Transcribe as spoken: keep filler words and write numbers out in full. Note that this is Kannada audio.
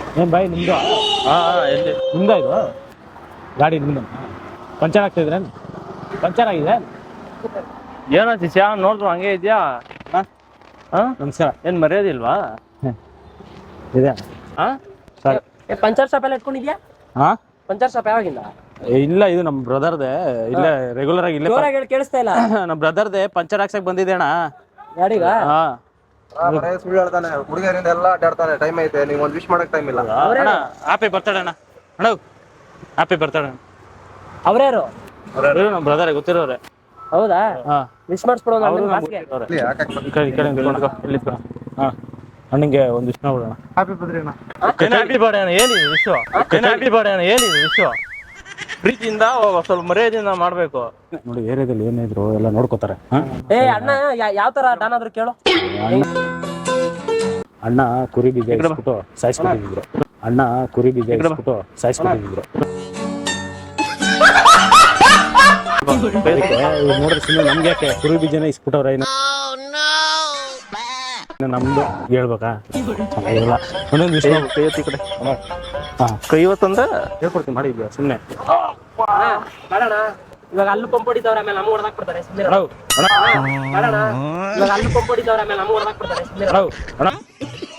ಏನು ಬಾಯ್ ನಿಮ್ಮದು? ಹಾಂ ಹಾಂ ಎಲ್ಲಿ ನಿಮ್ದು ಇದು ಗಾಡಿ ನಿಮ್ಮದು? ಪಂಚರ್ ಆಗ್ತಿದ್ರೇನು? ಪಂಚರ್ ಆಗಿದೆ? ಏನೋ ಶಿಷ್ಯ ನೋಡಿದ್ರು ಹಂಗೆ ಇದೆಯಾ? ಹಾಂ ಹಾಂ ನಮಸ್ಕಾರ. ಏನು ಮರ್ಯಾದಿಲ್ವಾ? ಇದೆ ಹಾಂ ಸರಿ. ಪಂಚರ್ ಶಾಪ್ ಎಲ್ಲ ಇಟ್ಕೊಂಡಿದ್ಯಾ? ಹಾಂ ಪಂಚರ್ ಶಾಪ್ ಯಾವಾಗಿಂದ? ಇಲ್ಲ, ಇದು ನಮ್ಮ ಬ್ರದರ್ದೆ. ಇಲ್ಲೇ ರೆಗ್ಯುಲರ್ ಆಗಿ ಇಲ್ಲೇ ಜೋರಾಗಿ ಹೇಳಿ ಕೇಳಿಸ್ತಾ ಇಲ್ಲ. ನಮ್ಮ ಬ್ರದರ್ದೆ ಪಂಚರ್ ಹಾಕ್ಸಕ್ ಬಂದಿದ್ದೆ ಅಣ್ಣ. ಗಾಡಿಗ? ಹಾಂ ಸುಳ್ಳು ಹೇಳ್ತಾನೆ, ಹುಡುಗಿಯರಿಂದ ಎಲ್ಲ ಅಡ್ಡಾಡ್ತಾನೆ. ಟೈಮ್ ಐತೆ, ನೀವು ಒಂದು ವಿಶ್ ಮಾಡಕ್ ಟೈಮ್ ಇಲ್ಲ. ಅಣ್ಣ ಹ್ಯಾಪಿ ಬರ್ತಡೇ ಅಣ್ಣ. ಅಣ್ಣ ಹ್ಯಾಪಿ ಬರ್ತಡೇ. ಅವ್ರ್ಯಾರು? ಇವರು ನಮ್ಮ ಬ್ರದರ್ ಗೊತ್ತಿರೋರೆ. ಹೌದಾ? ಹಾಂ ವಿಶ್ ಮಾಡಿಸ್ಬಿಡೋ ಅವರು ಬಾಸ್ಗೆ. ಈ ಕಡೆ ಈ ಕಡೆ ನಿಂತ್ಕೊಂಡು ಇಲ್ಲಿದ್ಕೊ. ಹಾಂ ಅಣ್ಣಂಗೆ ಒಂದು ವಿಷ್ ಮಾಡ್ಬಿಡೋಣ. ಹ್ಯಾಪಿ ಬರ್ತ್ಡೇ ಅಣ್ಣ. ಹ್ಯಾಪಿ ಬರ್ಡೇ ಅಣ್ಣ. ಏನಿದೆ ವಿಶ್ವ? ಹ್ಯಾಪಿ ಬರ್ಡೇ ಅಣ್ಣ. ಏನಿದೆ ವಿಶ್ವ? ಪ್ರೀತಿಯಿಂದ ಸ್ವಲ್ಪ ಮರ್ಯಾದೆಯಿಂದ ಮಾಡಬೇಕು. ನೋಡಿ ಏರಿಯಾದಲ್ಲಿ ಏನಿದ್ರು ಎಲ್ಲ ನೋಡ್ಕೋತಾರೆ. ಏ ಅಣ್ಣ ಯಾವ ತರ ಡಾನ್ ಆದ್ರು ಕೇಳು. ಅಣ್ಣ ಕುರಿ ಬೀಜ ಇಸ್ಬಿಟ್ಟು ಸಾಯಿಸ್ಬಿಟ್ಟಿದ್ರು. ಅಣ್ಣ ಕುರಿ ಬೀಜ ಇಸ್ಬಿಟ್ಟು ಸಾಯಿಸ್ಬಿಟ್ಟಿದ್ರು. ನೋಡ್ರಿ ಸುಮ್ಮನೆ ನಮ್ಗೆ ಯಾಕೆ ಕುರಿ ಬೀಜನ ಇಸ್ಬಿಟ್ಟವ್ರ? ನಮ್ದು ಹೇಳ್ಬೇಕಾ? ಚೆನ್ನಾಗಿರಲ್ಲ. ಒಂದೊಂದು ವಿಷಯ ಕೈ ಹೊತ್ತಿ ಕಡೆ ಹಾಂ ಕೈ ಹೊತ್ತಂದ ಹೇಳ್ಕೊಡ್ತೀನಿ ಮಾಡಿ ಸುಮ್ಮನೆ. ಬೇಡಣ, ಇವಾಗ ಅಲ್ಲೂ ಪಂಪ್ ಹೊಡಿತವ್ರೆ, ಆಮೇಲೆ ನಮ್ಗೆ ಹೊಡೆದಾಕ್ ಬಿಡ್ತಾರೆ. ಸುಮ್ಮನೆ ಅಣ್ಣ ಬೇಡಣ, ಇವಾಗ ಅಲ್ಲೂ ಪಂಪ್ ಹೊಡಿತವ್ರೆ, ಆಮೇಲೆ ನಮ್ಗೆ ಹೊಡೆದಾಕ್ ಬಿಡ್ತಾರೆ. ಸುಮ್ಮನೆ ಅಣ್ಣ